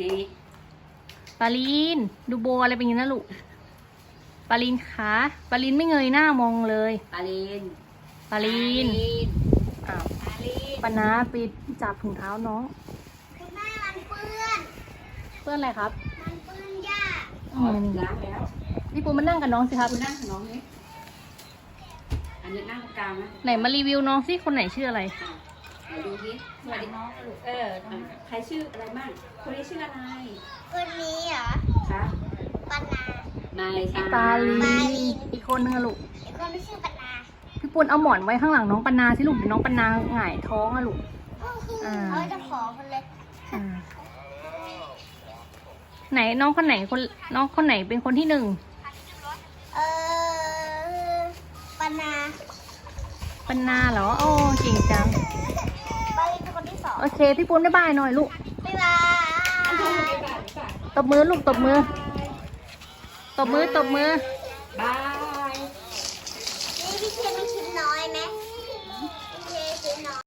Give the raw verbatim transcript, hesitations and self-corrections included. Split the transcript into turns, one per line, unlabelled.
นี่
ปาลินดูโบอะไรเป็นอย่างนี้นะลูกปาลินคะปาลินไม่เงยหน้ามองเลย
ปาลิน
ปาลินอ้าว
ปาลิน
ปานาไปจับถุงเท้าน้อง
คุณแม่มันเปื้อน
เพื่อนอะไรครับ
มันเปื้อนหญ้า
อืม
ล้างแล้ว
พี่ปูมานั่งกับน้องสิครับ
คุณนั่งกับน้องนี่อันนี้นั่งตรงกลางนะ
ไหนมารีวิวน้องสิคนไหนชื่ออะไร
ไหนดูสิสวัสดีน้องลูกเออใครชื่ออะไรบ้างคนนี้ชื่ออะไร
คนนี้เหรอ
คะ
ปานาน
ายตา
ปาลิ
ปาลิ
น
น
อีกคนนึงอะลูก
ไอ้คนที่ชื่อปานาน
พี่ปูนเอาหมอนไว้ข้างหลังน้องปานาสิลูกเดี๋ยวน้องปานาหงายท้องอะลูก อ่า
เขาจะขอคนเล็ก
อ่าไหนน้องคนไหนคนน้องคนไหนเป็นคนที่หนึ่ง
เออปานา
ปานาเหรอโอ้เก่งจัง
ปาลินเป็นคนที่สอง
โอเคพี่ปูนบ๊ายบายหน่อยลูก
บ๊ายบาย
ตบมือลูกตบมือ ตบมือตบมือ